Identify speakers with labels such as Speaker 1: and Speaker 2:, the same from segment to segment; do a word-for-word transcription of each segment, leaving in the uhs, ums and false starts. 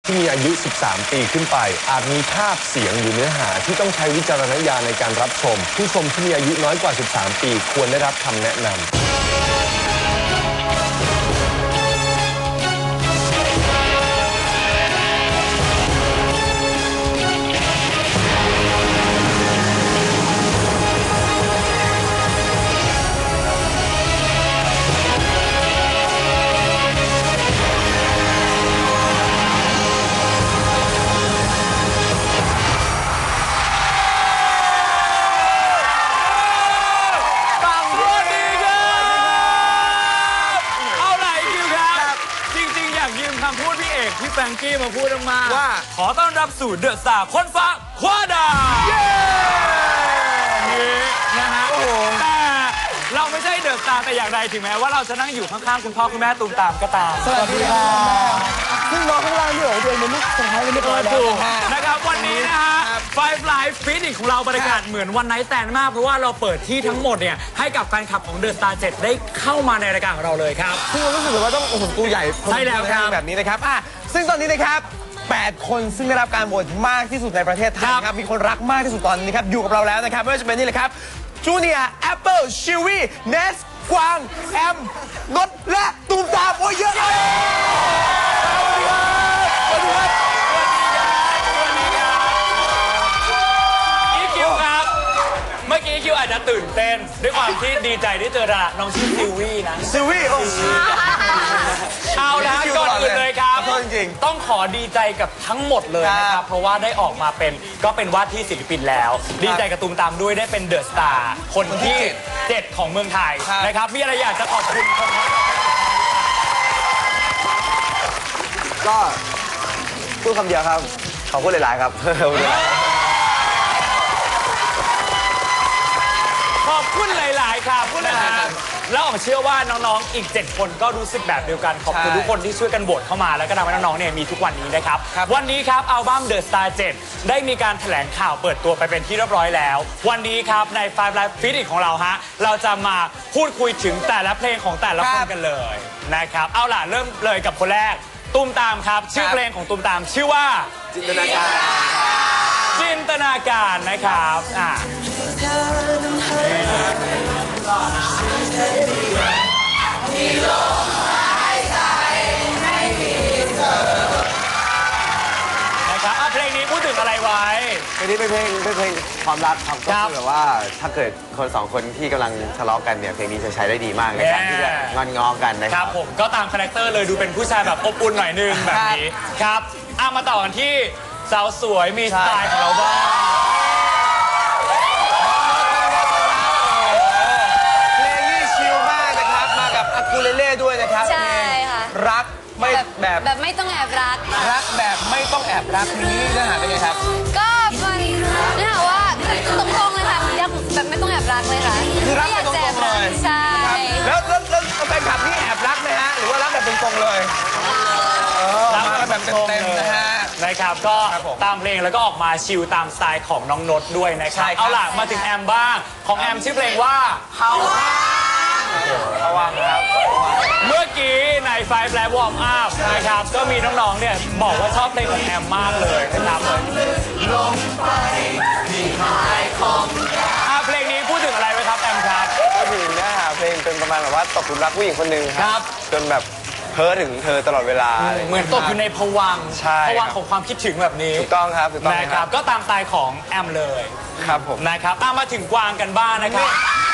Speaker 1: ที่มีอายุ สิบสาม ปีขึ้นไปอาจมีภาพเสียงหรือเนื้อหาที่ต้องใช้วิจารณญาณในการรับชมผู้ชมที่มีอายุน้อยกว่า สิบสาม ปีควรได้รับคำแนะนำ
Speaker 2: พี่แฟรงกี้มาพูดออกมาว่าขอต้อนรับสู่เดอะสตาร์คนฟ้าคว้าดาวนี่นะฮะแต่เราไม่ใช่เดอะสตาร์แต่อย่างใดถึงแม้ว่าเราจะนั่งอยู่ข้างๆคุณพ่อคุณแม่ตูมตามก็ตาม
Speaker 3: สวัสดีค่ะซึ่งน้องข้างล่างนี่โอ้โหเดือนมันลูกสะพ้ายเลยไม่พอแล้ว
Speaker 2: นะครับวันนี้นะฮะ Five Live Fit ของเราบรรยากาศเหมือนวันไนท์แตนมากเพราะว่าเราเปิดที่ทั้งหมดเนี่ยให้กับแฟนคลับของเดอะสตาร์เจ็ดได้เข้ามาในรายการของเราเลยครับ
Speaker 3: ซึ่งเรารู้สึกว่าต้องโอ้โหตัวใหญ่
Speaker 2: ใช่แล้วครับ
Speaker 3: แบบนี้นะครับอ่ะซึ่งตอนนี้นะครับแปดคนซึ่งได้รับการโหวตมากที่สุดในประเทศไทยครับมีคนรักมากที่สุดตอนนี้ครับอยู่กับเราแล้วนะครับไม่ว่าจะเป็นนี่เลยครับจูเนียร์แอปเปิลชิวี่เนสกวางแอมนดและตูมตามโอ้ยเยอะเลยสวัสดีครับ
Speaker 2: สวัสดีครับอีคิวครับเมื่อกี้อีคิวอาจจะตื่นเต้นด้วยความที่ดีใจที่เจอน้องชื่อซิลวี่นะ
Speaker 3: ซิลวี่โอ้
Speaker 2: เอาละก่อนอื่นเลยครับต้องขอดีใจกับทั้งหมดเลยนะครับเพราะว่าได้ออกมาเป็นก็เป็นว่าที่ศิลปินแล้วดีใจกับตูมตามด้วยได้เป็นเดอะสตาร์คนที่เจ็ดของเมืองไทยนะครับมีอะไรอยากจะขอบคุณคนทั้ง
Speaker 3: ก็พูดคำเดียวครับขอบคุณหลายๆครับ
Speaker 2: ขอบคุณหลายๆค่ะพูดหลายๆแล้วผมเชื่อว่าน้องๆอีกเจ็ดคนก็รู้สึกแบบเดียวกันขอบคุณทุกคนที่ช่วยกันโหวตเข้ามาแล้วก็ทำให้น้องๆเนี่ยมีทุกวันนี้นะครับวันนี้ครับอัลบั้ม The Star เจ็ดได้มีการแถลงข่าวเปิดตัวไปเป็นที่เรียบร้อยแล้ววันนี้ครับใน Five Live Fit ของเราฮะเราจะมาพูดคุยถึงแต่ละเพลงของแต่ละคนกันเลยนะครับเอาล่ะเริ่มเลยกับคนแรกตูมตามครับชื่อเพลงของตูมตามชื่อว่า
Speaker 3: จินตนาการ
Speaker 2: จินตนาการนะครับอ่านะครับเพลงนี้พูดถึงอะไรไว้
Speaker 4: เพลงนี้เป็นเพลงเป็นเพลงความรักครับก็คือแบบว่าถ้าเกิดคนสองคนที่กำลังทะเลาะกันเนี่ยเพลงนี้จะใช้ได้ดีมากในการที่จะงอนงอกันนะครับ
Speaker 2: ผมก็ตามคาแรคเตอร์เลยดูเป็นผู้ชายแบบอบอุ่นหน่อยนึงแบบนี้ครับเอามาต่อกันที่สาวสวยมีสไตล์ของเราบ้าง
Speaker 3: เพลงนี้ชิลมากนะครับมากับอากูเลเล่ด้วยนะครับ
Speaker 5: ใช่ค่ะ
Speaker 3: รักไม่แบบ
Speaker 5: แบบไม่ต้องแอบรัก
Speaker 3: รักแบบไม่ต้องแอบรักนี้เนื้อหาเป็นไงครับ
Speaker 5: ก็มันเนื้อหาว่าตรงๆเลยค่ะรักแบบไม่ต้องแอบรักเลยค่ะ
Speaker 3: คือรักแบบตรงๆเลย
Speaker 5: ใช่
Speaker 3: แล้วแล้วแล้วแฟนคลับนี่แอบรักไหมฮะหรือว่ารักแบบตรงๆเลย
Speaker 2: รักแบบเต็มๆนะฮะนะครับก็ตามเพลงแล้วก็ออกมาชิลตามสไตล์ของน้องนดด้วยนะครับเอาล่ะมาถึงแอมบ้างของแอมชื่อเพลงว่าเฮา
Speaker 3: ระวังครับ
Speaker 2: เมื่อกี้ใน Five Live Warm Up นะครับก็มีน้องๆเนี่ยบอกว่าชอบเพลงของแอมมากเลยนะครับลงไปที่หายของเพลงนี้พูดถึงอะไรไหมครับแอมครับ
Speaker 4: พูดถึงเนื้อหาเพลงเป็นประมาณแบบว่าตกหลุมรักผู้หญิงคนหนึ่งครับจนแบบเพ้อถึงเธอตลอดเวลา
Speaker 2: เหมือนตกอยู่ในภวังค์ภวังค์ของความคิดถึงแบบนี้
Speaker 4: ถูกต้องครับถูกต้อง
Speaker 2: นะครับก็ตามสไตล์ของแอมเลย
Speaker 4: ครับผม
Speaker 2: นะครับมาถึงกวางกันบ้างนะครับ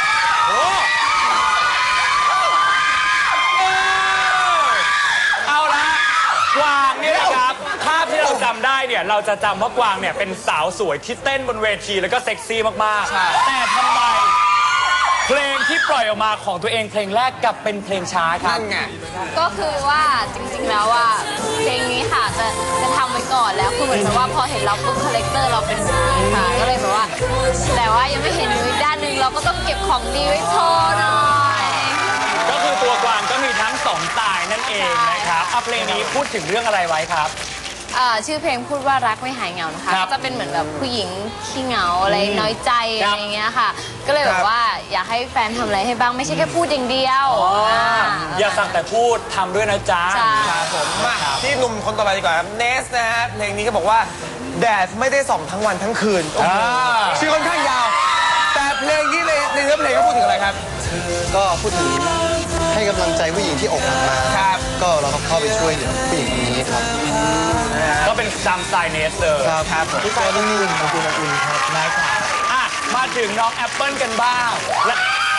Speaker 2: กวางเนี่ยนะครับภาพที่เราจำได้เนี่ยเราจะจำว่ากวางเนี่ยเป็นสาวสวยที่เต้นบนเวทีแล้วก็เซ็กซี่มากๆแต่ทำไมเพลงที่ปล่อยออกมาของตัวเองเพลงแรกกลับเป็นเพลงช้าครับนั่นไง
Speaker 5: ก็คือว่าจริงๆแล้วว่าเพลงนี้ค่ะจะจะทำไว้ก่อนแล้วคือเหมือนกับว่าพอเห็นเราปุ๊บคาแรคเตอร์เราเป็นแบบนี้ค่ะก็เลยแบบว่าแต่ว่ายังไม่เห็นอีกด้านหนึ่งเราก็ต้องเก็บของดีไว้โชว์หน่อย
Speaker 2: ก็คือตัวกวางก็มีทั้งสองสไตล์นั่นเองนะครับเพลงนี้พูดถึงเรื่องอะไรไว้ครับ
Speaker 5: เอ่อชื่อเพลงพูดว่ารักไม่หายเหงานะคะ
Speaker 2: ครับ
Speaker 5: จะเป็นเหมือนแบบผู้หญิงขี้เหงาอะไรน้อยใจ
Speaker 2: ครั
Speaker 5: อะ
Speaker 2: บ
Speaker 5: ไรอย่างเงี้ยค่ะ ก็เลยแบบว่าอยากให้แฟนทำอะไรให้บ้างไม่ใช่แค่พูดอย่างเดียว
Speaker 2: อ๋อ
Speaker 5: อ่า
Speaker 2: อย่าสั่งแต่พูดทำด้วยนะจ๊ะ
Speaker 5: ใช่
Speaker 3: ครับผมมาที่หนุ่มคนต่อไปดีกว่าครับเนสนะฮะเพลงนี้ก็บอกว่าแดดไม่ได้ส่องทั้งวันทั้งคืนโอ้โห
Speaker 2: อ่า
Speaker 3: ชื่อค่อนข้างยาว แต่เพลงนี้ในในเนื้อเพลงก็พูดถึงอะไรครับ
Speaker 6: ก็พูดถึงให้กำลังใจผู้หญิงที่อกหักมา
Speaker 3: ครับ
Speaker 6: ก็เราก็เข้าไปช่วยเหลือผู้หญิงคนนี้ครับ
Speaker 2: ก็เป็นตามสไตล์เนสเลย
Speaker 6: ครับครับผมก็นิ่งๆขอบคุณอบอุ่นครับ
Speaker 2: นะครับอ่ะมาถึงน้องแอปเปิลกันบ้างและ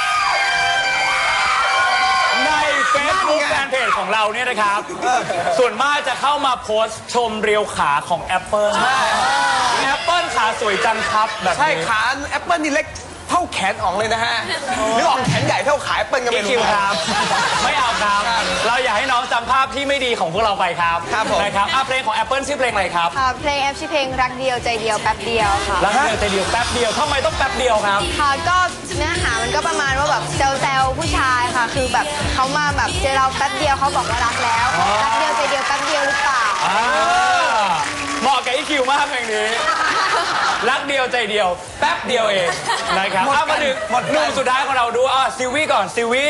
Speaker 2: ใน Facebook แฟนเพจของเราเนี่ยนะครับ ส่วนมากจะเข้ามาโพสต์ชมเรียวขาของแอปเปิลแอปเปิลขาสวยจังครับแบบ
Speaker 3: ใช่
Speaker 2: นี้
Speaker 3: ขาแอปเปิลนี่เล็กเท่าแขนอ่องเลยนะฮะหรืออ่องแขนใหญ่เท่าขาแอปเปิลกัน
Speaker 2: อี
Speaker 3: ไม่
Speaker 2: คิว
Speaker 3: รู้
Speaker 2: ครับ ไม่เอาครับ เราอยากให้น้องจำภาพที่ไม่ดีของพวกเราไปครับ
Speaker 3: ครับผม
Speaker 2: นะครับอ่ะเพลงของ Apple ชื่อเพลงอะไรครับ
Speaker 7: ค่ะเพลงแอปชื่อเพลงรักเดียวใจเดียวแป๊บเดียวค่ะ
Speaker 2: รักเดียวใจเดียวแป๊บเดียวทำไมต้องแป๊บเดียวครับ
Speaker 7: ค่ะก็เนื้อหามันก็ประมาณว่าแบบแซวๆผู้ชายค่ะ คือแบบเขามาแบบเจอเราแป๊บเดียวเขาบอกว่ารักแล้ว รักเดียวใจเดียวแป๊บเดียวหรือเปล่า
Speaker 2: อ่าเหมาะกับอีคิวมากเพลงนี้ รักเดียวใจเดียว แป๊บเดียวเองนะครับเอามาถึงหนุ่มสุดท้ายของเราดูอ่ะซิวี่ก่อนซิวี่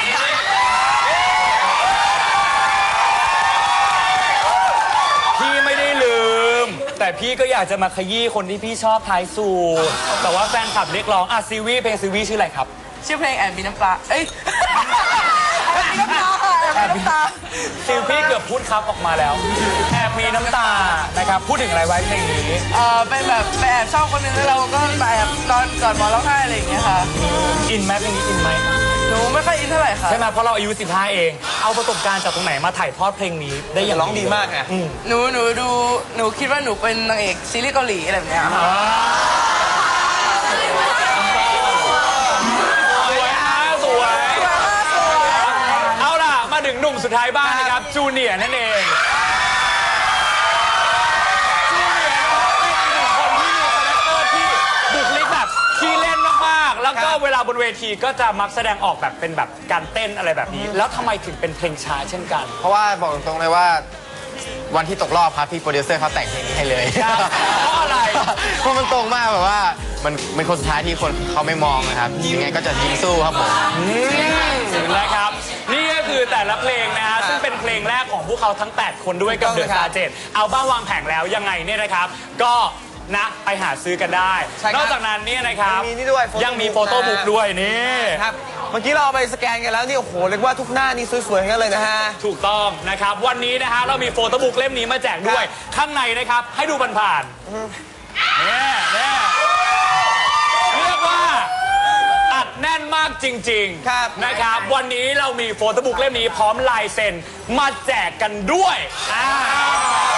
Speaker 2: พี่ไม่ได้ลืม แต่พี่ก็อยากจะมาขยี้คนที่พี่ชอบท้ายสูตรแต่ว่าแฟนคลับเรียกร้องอ่ะซิวี่เพลงซิวี่ชื่ออะไรครับ
Speaker 8: ชื่อเพลงแอบมีน้ำปลา เอ้ย แอบมีน้ำตาค่ะแอบมีน้ำตา
Speaker 2: ซิลพี่เกือบพูดครับออกมาแล้วแอบมีน้ำตานะครับพูดถึงอะไรไว้เพลงนี้
Speaker 8: เออเป็นแบบไปแอบชอบคนหนึงแล้วเราก็ไปแอบตอนก่อนหมอร้องไห้อะไรอย่างเงี้ยค่ะ
Speaker 2: อินไหมเพลงนี้อินไหม
Speaker 8: หนูไม่ค่อยอินเท่าไหร่ค่ะ
Speaker 2: ใช่ไหมเพราะเราอายุสิบห้าเองเอาประสบการณ์จากตรงไหนมาถ่ายทอดเพลงนี้ได้อย่าง
Speaker 3: ร้องดีมากไง
Speaker 2: อืม
Speaker 8: หนูหนูดูหนูคิดว่าหนูเป็นนางเอกซีรีส์เกาหลีอะไรแบบเนี้ยค่ะ
Speaker 2: อ่าสวยนะสวยเอาล่ะมาถึงหนุ่มสุดท้ายบ้างนะครับจูเนียร์นั่นเองจูเนียร์นะครับเป็นอีกหนึ่งคนที่มีคาแรคเตอร์ที่บุคลิกแบบขี้เล่นมากๆแล้วก็เวลาบนเวทีก็จะมักแสดงออกแบบเป็นแบบการเต้นอะไรแบบนี้ แล้วทำไมถึงเป็นเพลงช้าเช่นกัน
Speaker 6: เพราะว่าบอกตรงๆเลยว่าวันที่ตกรอบครับพี่โปรดิวเซอร์เขาแต่งเพลงนี้ให้เลย
Speaker 2: ครับเพราะอะไร
Speaker 6: เพราะมันตรงมากแบบว่ามันเป็นคนสุดท้ายที่คนเขาไม่มองนะครับยังไงก็จะยิงสู้ครับผม
Speaker 2: นะครับนี่ก็คือแต่ละเพลงนะฮะซึ่งเป็นเพลงแรกของพวกเขาทั้งแปดคนด้วยกับ
Speaker 3: ถู
Speaker 2: เด
Speaker 3: กต้อง
Speaker 2: อะ
Speaker 3: ค
Speaker 2: ส
Speaker 3: รับ
Speaker 2: ตาร์เจ็ดเอาบ้างวางแผงแล้วยังไงเนี่ยนะครับ ก็นะไปหาซื้อกันได้
Speaker 3: ใช่ครับ
Speaker 2: นอกจากนั้นเนี่ยนะครับ
Speaker 3: ยังมีนี่ด้วย photo
Speaker 2: ยังมี
Speaker 3: book
Speaker 2: โฟโต้บุ๊ก
Speaker 3: นะ
Speaker 2: ด้วยนี่
Speaker 3: ครับเมื่อกี้เราเอาไปสแกนกันแล้วนี่โอ้โหเรียกว่าทุกหน้านี่สวยๆทั้งนั้นเลยนะฮะ
Speaker 2: ถูกต้องนะครับวันนี้นะฮะเรามีโฟโต้บุ๊กเล่มนี้มาแจกด้วย ข้างในนะครับให้ดูผ่านๆเนี่ยเนี่ยเรียกว่าอัดแน่นมากจริง
Speaker 3: ครับ
Speaker 2: ๆนะครับวันนี้เรามีโฟโต้บุ๊กเล่มนี้พร้อมลายเซ็นมาแจกกันด้วยอ่า